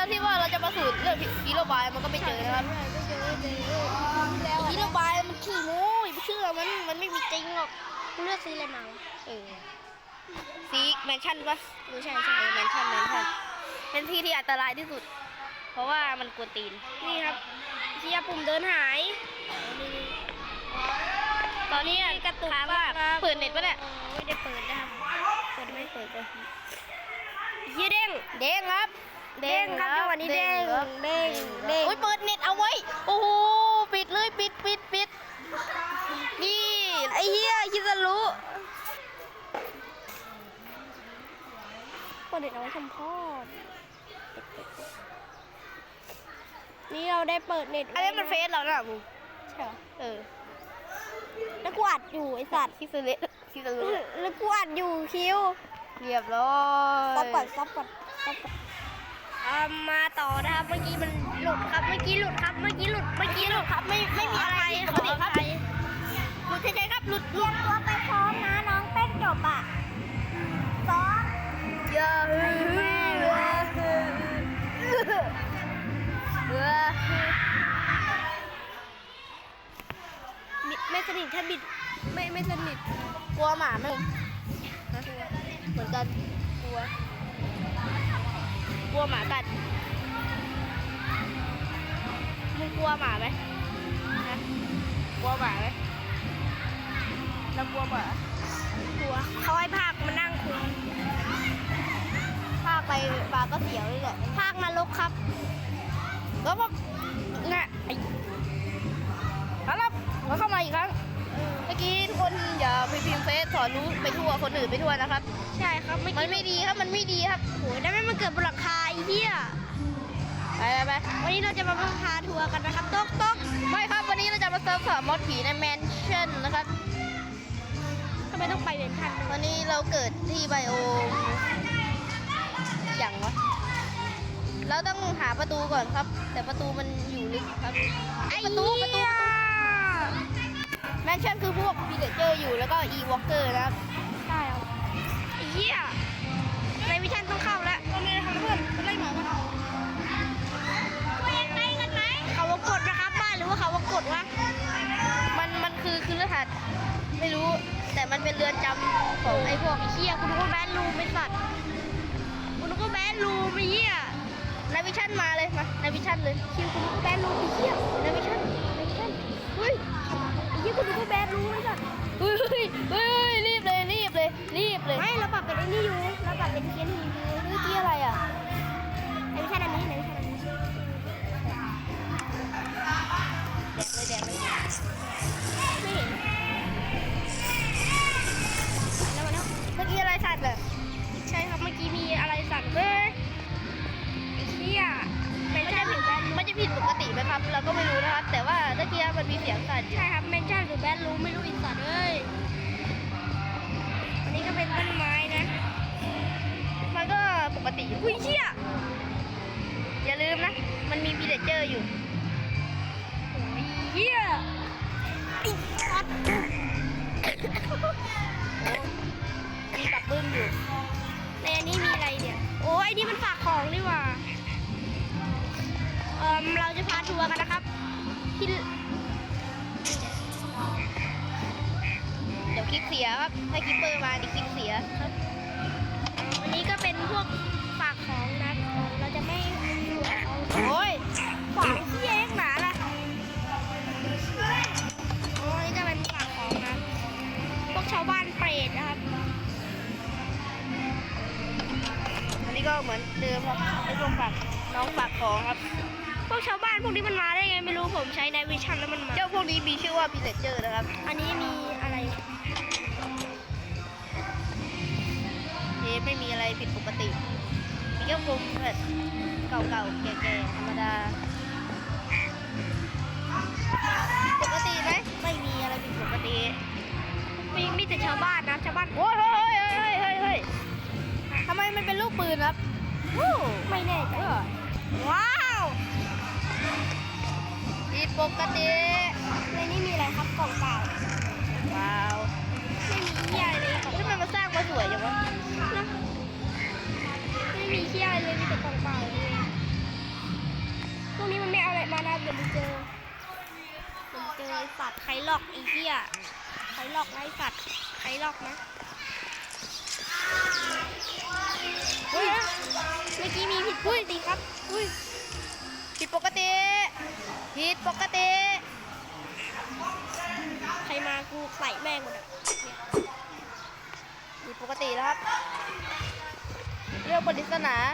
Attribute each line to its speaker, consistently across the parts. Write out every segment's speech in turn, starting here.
Speaker 1: แล้วที่ว่าเราจะมาสูตรเรื่องฮีโร่บายมันก็ไม่เจอนะครับฮีโร่บายมันขี้โม้อย่าไปเชื่อมันไม่มีจริงหรอก
Speaker 2: เลือกซื้ออะไรมาวะ
Speaker 1: ซีแมนชั่นปะ
Speaker 2: ใช่
Speaker 1: แมนชั่นเป็นที่ที่อันตรายที่สุด เพราะว่ามันกวนตีน
Speaker 2: นี่ครับเชียปุ่มเดินหาย
Speaker 1: ตอนนี้กระตุกว่าเปิดเน็ตปะเนี่ย
Speaker 2: ไม่ได้เปิดนะครับ
Speaker 1: เปิดไม่เปิดเลย
Speaker 2: เฮียเด้ง
Speaker 1: เด้งครับ
Speaker 2: เด้งครับจังหวะนี้เด้ง
Speaker 1: ครับ
Speaker 2: เด้ง
Speaker 1: โอ้ยเปิดเน็ตเอาไว้ โอ้โหปิดเลยปิดนี่
Speaker 2: ไอ้เฮียคิดจะรู้เปิดเน็ตเอาไว้ทำพ่อนี่เราได้เปิดเน็ต
Speaker 1: อันนี้มันเฟซเราน่ะมึง
Speaker 2: ใช่เหรอ แล้วกูอัดอยู่ไอ้สัตว์
Speaker 1: คิดซื้อเละคิดซื้อ
Speaker 2: แล้วกูอัดอยู่คิว
Speaker 1: เรียบร้อย
Speaker 2: ซับก่อนมาต่อนะครับ เมื่อกี้มันหลุดครับ เมื่อกี้หลุดครับ ไม่มีอะไร
Speaker 1: ปกติครับหลุดเฉยๆครับหลุด
Speaker 2: เตรียมตัวไปพร้อมนะน้องเต้นจบอ่ะซ้อม
Speaker 1: เยอะ
Speaker 2: แม่ไม่สนิทถ้าบิดไม่สนิท
Speaker 1: กลัวหมาไหมเหมือนกันกลัวหมากัดมึงกลัวหมาไหมนะกลัวหมาไหมเรากลัวหมาก
Speaker 2: ลัวเขาให้ภาคมานั่งคุย
Speaker 1: ถ้าไปปลาก็เสียวเลยแหละ
Speaker 2: ภาคนรกครับ
Speaker 1: แล้วก็น่ะไอ้เอาละเราเข้ามาอีกครั้งเมื่อกี้ทุกคนอย่าไปพิมพ์เฟซสอนรู้ไปทั่วคนอื่นไปทั่วนะครับ
Speaker 2: ใช่ครับเมื่อ
Speaker 1: มัน
Speaker 2: กี้
Speaker 1: ไม่ดีครับมันไม่ดีครับ
Speaker 2: โหได้ไหมมันเกิดบนหลังคาไอ้เหี้ย
Speaker 1: ไป
Speaker 2: วันนี้เราจะมาพาทัวร์กันนะครับต๊อก
Speaker 1: ไม่ครับวันนี้เราจะมาเซิร์ฟสอนมอดผีในแมนชั่นนะครับ
Speaker 2: ทำไมต้องไปเวนทัน
Speaker 1: วันนี้เราเกิดที่ไบโออย่างวะเราต้องหาประตูก่อนครับ แต่ประตูมันอยู่ลึกครับประตูแมนชั่นคือพวกพีเดเจอร์อยู่แล้วก็อีวอล์กเกอร์นะครับ
Speaker 2: ใช่ครับไอ้เหี้ยในวิชันต้องเข้าแล้ว
Speaker 1: ตอนนี้ทำเพื่อนไล่หมามา
Speaker 2: ไปกันไหมเขาวงกดนะครับบ้านหรือว่าเขาวงกดวะ
Speaker 1: มันคือรหัสไม่รู้ แต่มันเป็นเรือนจำของไอ้พวก
Speaker 2: ไอ้เหี้ยกูนึกว่าแบนรูมไอ้สัตว์กูนึกว่าแบนรูมไอ้เหี้ย
Speaker 1: นาวิชั่นมาเลยมานาวิชั่นเลย
Speaker 2: คิวกูนึกว่าแบนรูมไอ้เหี้ย
Speaker 1: นาวิชั่น
Speaker 2: เฮ้ยไอ้เหี้ยกูนึกว่าแบนรูมไอ้สัตว์
Speaker 1: เฮ้ยรีบเลย
Speaker 2: ไม่เราปรับเป็นไอ้นี่อยู่เราปรับเป็นเคียนหินอยู่
Speaker 1: เมื่อกี้อะไรอ่ะ
Speaker 2: ในวิชันอันนี้ในวิชันอันนี้
Speaker 1: แดกเลย
Speaker 2: ไม่เห็นแล้วมาแล้ว
Speaker 1: เมื่อกี้อะไรสั่นเลย
Speaker 2: ใช่ครับเมื่อกี้มีอะไรสั่นเว้ยไอ้เหี้ยเป็นใช่หรือแบน
Speaker 1: มันจะผิดปกติไหมครับ เราก็ไม่รู้นะครับ แต่ว่าเมื่อกี้มันมีเสียงสั่นอยู่
Speaker 2: ใช่ครับเมนชั่นหรือแบนรู้ไม่รู้อีสัตว์เอ้ยอันนี้ก็เป็นต้นไม้นะ
Speaker 1: มันก็ปกติอยู่
Speaker 2: อุ้ยเชี่ย
Speaker 1: อย่าลืมนะ มันมีพีเดเจอร์อยู่
Speaker 2: โอ้ยเหี้ยไอ้สัตว์
Speaker 1: มีปักบึ้มอยู่
Speaker 2: ในอันนี้มีอะไรเนี่ยโอ้ยไอ้นี่มันฝากของนี่หว่าเราจะพาทัวร์กันนะครับที่
Speaker 1: เดี๋ยวคลิปเสียครับถ้าคลิปเปอร์มาดิคลิปเสียครับ
Speaker 2: อันนี้ก็เป็นพวกฝากของนะเราจะไม่เอา
Speaker 1: โอ้ย
Speaker 2: ฝากที่เองหนาล่ะโอ้ยนี่ก็เป็นฝากของนะพวกชาวบ้านเปรตนะครับ
Speaker 1: อันนี้ก็เหมือนเดิมครับไอ้พวกฝากน้องฝากของครับ
Speaker 2: พวกชาวบ้านพวกนี้มันมาได้ไงไม่รู้ผมใช้ในวิชั่นแล้วมันมา
Speaker 1: เจ้าพวกนี้มีชื่อว่าพีเดเจอร์นะครับ
Speaker 2: อันนี้มีอะไร
Speaker 1: ไม่มีอะไรผิดปกติ มีแค่มุมแบบเก่าๆ แก่ๆ ธรรมดา ปกติไหมไม่มีอะไรผิดปกติ
Speaker 2: มีแต่ชาวบ้านนะชาวบ้าน
Speaker 1: โอ้ยเฮ้ยทำไมมันเป็นลูกปืนครับ
Speaker 2: ไม่แน่ใจว้าว
Speaker 1: ผิดปกติ
Speaker 2: ในนี้มีอะไรครับกล่องเปล่า
Speaker 1: ว้าว
Speaker 2: ไม่มีเหี้ยอะไรเลยครับ
Speaker 1: ทำไมมันสร้างมาสวยจังวะ
Speaker 2: นะไม่มีเหี้ยอะไรเลยมีแต่กล่องเปล่าเลยวกนี้มันไม่เอาอะไรมานะเดี๋ยวมึงเจอไอ้สัตว์ใครหลอกไอ้เหี้ยใครหลอกนะไอ้สัตว์ใครหลอกนะเฮ้ยเมื่อกี้มีผิดปกติครับอุ้ย
Speaker 1: ผิดปกติผิดปกติ
Speaker 2: ใครมากูใส่แม่งหมดอ่ะเนี่ย
Speaker 1: ผิดปกติแล้วครับเรื่องปริศนา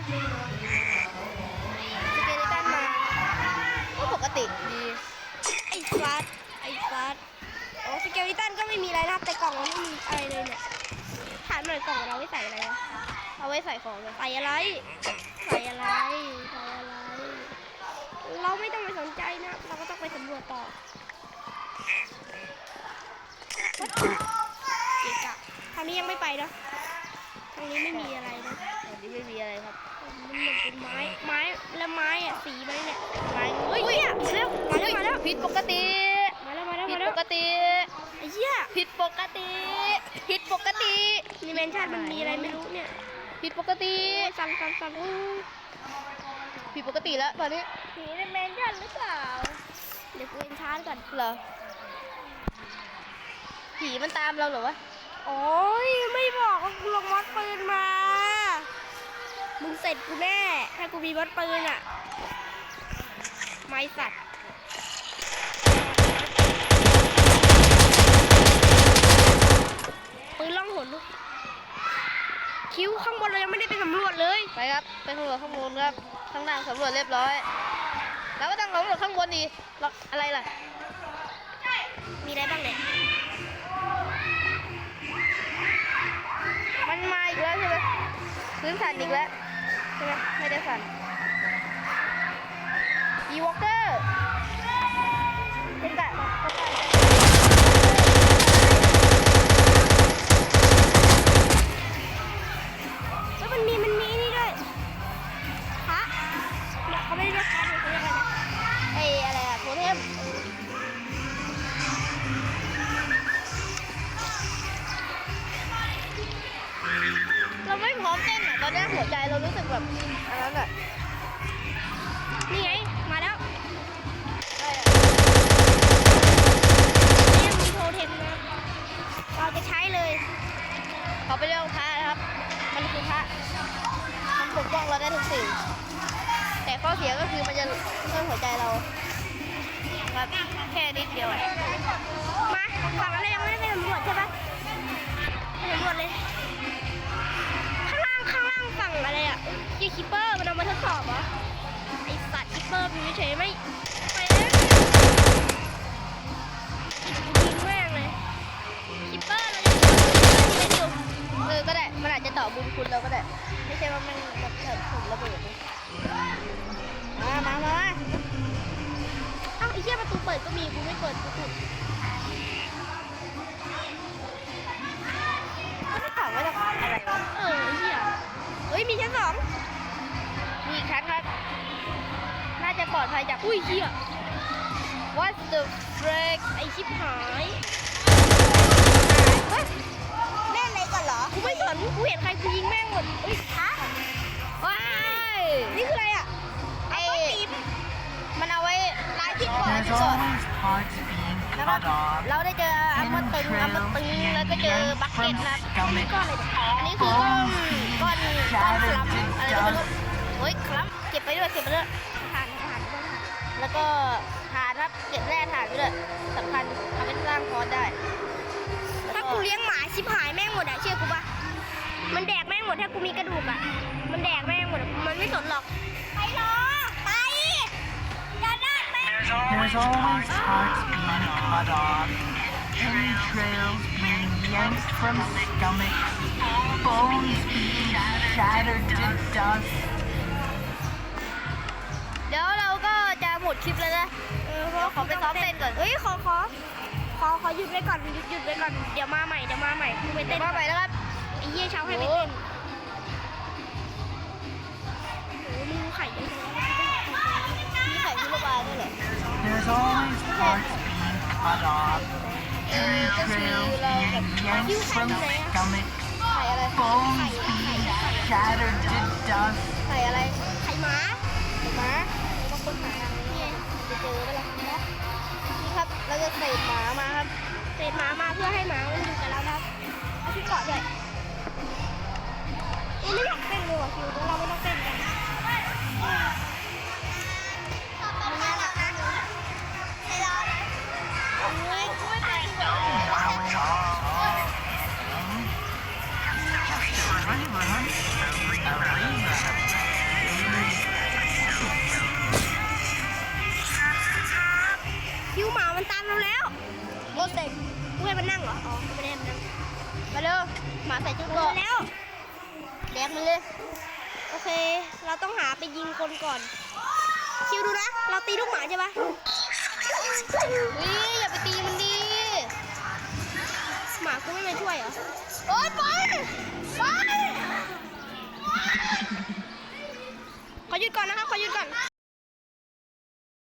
Speaker 1: สเกเลตันมาก็ปกติดี
Speaker 2: ไอ้สัตว์โอ้สเกลิตันก็ไม่มีอะไรนะครับแต่กล่องมันไม่มีอะไรเลยเนี่ยถามหน่อยกล่องเราไว้ใส่อะไรวะ
Speaker 1: เอาไว้ใส่ของเลย
Speaker 2: ใส่อะไร เราไม่ต้องไปสนใจนะ เราก็ต้องไปสำรวจต่อเกะกะทางนี้ยังไม่ไปนะทางนี้ไม่มีอะไรนะ
Speaker 1: อันนี้ไม่มีอะไรครับ
Speaker 2: มันเหมือนเป็นไม้แล้วไม้อะสีมันเนี่ย
Speaker 1: ไม้
Speaker 2: เฮ้ยเนี่ยมาแล้ว
Speaker 1: ผิดปกติ
Speaker 2: มาแล้ว
Speaker 1: ผิดปกติ
Speaker 2: ไอ้เหี้ย
Speaker 1: ผิดปกติผิดปกติ
Speaker 2: นี่แมนชั่นมันมีอะไรไม่รู้เนี่ย
Speaker 1: ผิดปกติ
Speaker 2: สั่น
Speaker 1: ผิดปกติแล้วตอนนี้
Speaker 2: ผีในแมนชั่นหรือเปล่าเดี๋ยวกูเอ็นชาร์จก่อน
Speaker 1: เหรอผีมันตามเราเหรอวะ
Speaker 2: โอ้ยไม่บอกว่ากูลงมอดปืนมา มึงเสร็จกูแน่ ถ้ากูมีมอดปืนอ่ะ ไม่สัตว์ปืนล่องหนลูกคิ้วข้างบนเรายังไม่ได้ไปสำรวจเลย
Speaker 1: ไปครับไปสำรวจข้างบนครับข้างล่างสำรวจเรียบร้อยแล้วก็ต้องสำรวจข้างบนดีหรอกอะไรล่ะ
Speaker 2: มีอะไรบ้างเนี่ย
Speaker 1: มันมาอีกแล้วใช่ไหมพื้นสั่นอีกแล้วใช่ไหมไม่ได้สั่นอีวอลเกอร์เป็นแบบ
Speaker 2: แล้วมันมีนี่ด้วยพระเนี่ยเขาไม่ได้เรียกพระเนี่ยเขาเรียกอะไรนะ
Speaker 1: ไอ้อะไรอะโทเทมเราไม่พร้อมเต้นอะตอนนี้หัวใจเรารู้สึกแบบอันนั้นอะ
Speaker 2: นี่ไง มาแล้ว
Speaker 1: ได้อะ
Speaker 2: นี่มีโทเทมนะเราจะใช้เลย
Speaker 1: เขาไปเรื่องพระนะครับ มันคือพระมันปกป้องเราได้ทุกสิ่งแต่ข้อเสียก็คือมันจะเพิ่มหัวใจเราครับแค่นิดเดียวอะ
Speaker 2: มาฝั่งนั้นเรายังไม่ได้ไปสำรวจใช่ปะไปสำรวจเลย ข้างล่างฝั่งอะไรอ่ะยี่คิปเปอร์มันเอามาทดสอบเหรอ ไอสัตว์คิปเปอร์อยู่เฉยๆไม่ไปแล้วยิงแม่งเลยคิปเปอร์เราจะยิงอยู่
Speaker 1: ก็ได้มันอาจจะต่อบุญคุณเราก็ได้ไม่ใช่ว่ามันแบบเถิดถุงระเบิดมา
Speaker 2: เอ้าไอ้เหี้ยประตูเปิดก็มีกูไม่เปิดกูปิด
Speaker 1: ก็ไม่ถามว่าจะอะไรวะ
Speaker 2: ไอ้เหี้ยเฮ้ยมีชั้นสอง
Speaker 1: มีอีกครั้งครับน่าจะปลอดภัยจาก
Speaker 2: อุ้ยเหี้ย
Speaker 1: What the frick
Speaker 2: ไอชิบหาย
Speaker 1: เฮ้ยเล่นอะไรก่อนเหรอ
Speaker 2: กูไม่สนกูเห็นใครกูยิงแม่งหมดเฮ้ยฮะ
Speaker 1: ว้าย
Speaker 2: นี่คืออะไรอ่ะ
Speaker 1: ไอ้มันเอาไว้ลายที่ก่อน
Speaker 3: There's
Speaker 1: ก่อน
Speaker 3: always parts being
Speaker 1: นะครับ
Speaker 3: cut off.
Speaker 1: เราได้เจออัมตึงแล้วก็เจอบักเก็ตนะครับอันนี้คือก้อนคลัมอะไรก็ไม่รู้เฮ้ยคลัมเก็บไปด้วย
Speaker 2: ผ่านด้วย
Speaker 1: แล้วก็ถ่านครับเก็บแร่ถ่านไปด้วยสำคัญทำให้สร้างคอร์สได้
Speaker 2: ถ้ากูเลี้ยงหมาชิบหายแม่งหมดอ่ะเชื่อกูปะมันแดกแม่งหมดถ้ากูมีกระดูกอ่ะมันแดกแม่งหมดอะมันไม่สนหรอกไปรอไปอย่าได้แม่ง
Speaker 3: There's always parts being cut off. Entrails being yanked from stomachs. Bones being shattered to dust.
Speaker 1: เดี๋ยวเราก็จะหมดคลิปแล้วนะเพราะขอไปซ้อมเต้นก่อน
Speaker 2: เฮ้ยขอหยุดไว้ก่อนหยุดไว้ก่อนเดี๋ยวมาใหม่กูไปเต้น
Speaker 1: มาใหม่แล้วครับ
Speaker 2: ไอ้เหี้ยเช้าให้ไปเต้นโอ้มึงไข่ยังไง
Speaker 1: มีไข่พิโรบาลด้วยเหรอ
Speaker 3: There's always parts being cut off. Entrails being yanked from stomachs.
Speaker 1: ไข่อะไร
Speaker 3: Bones being shattered to dust.
Speaker 1: ไข่อะไร
Speaker 2: ไข่หมา
Speaker 1: ไข่ม้าบางคนหาทางนี้เจอไปแล้วนะนี่ครับเราจะใส่หมามาครับ
Speaker 2: เศษหมามาเพื่อให้หมามันอยู่กับเรานะครับเอาที่เกาะด้วยไม่อยากเต้นเลยว่ะคิวเดี๋ยวเราไม่ต้องเต้นกัน คิวหมามันตามเราแล้ว
Speaker 1: โคตรเซ็ง
Speaker 2: กูให้มันนั่งเหรอ อ๋อไม่ได้ให้มันนั่ง
Speaker 1: มาเร็วหมาใส่ชุด
Speaker 2: เอ
Speaker 1: เกราะ
Speaker 2: อแล้ว
Speaker 1: แดกมันเลย
Speaker 2: โอเค เราต้องหาไปยิงคนก่อน คิวดูนะ เราตีลูกหมาใช่ปะ
Speaker 1: วิอย่าไปตีมันดี
Speaker 2: หมากูไม่มาช่วยเหรอ
Speaker 1: โอ๊ยไปไป
Speaker 2: ขอหยุดก่อนนะครับ ขอหยุดก่อน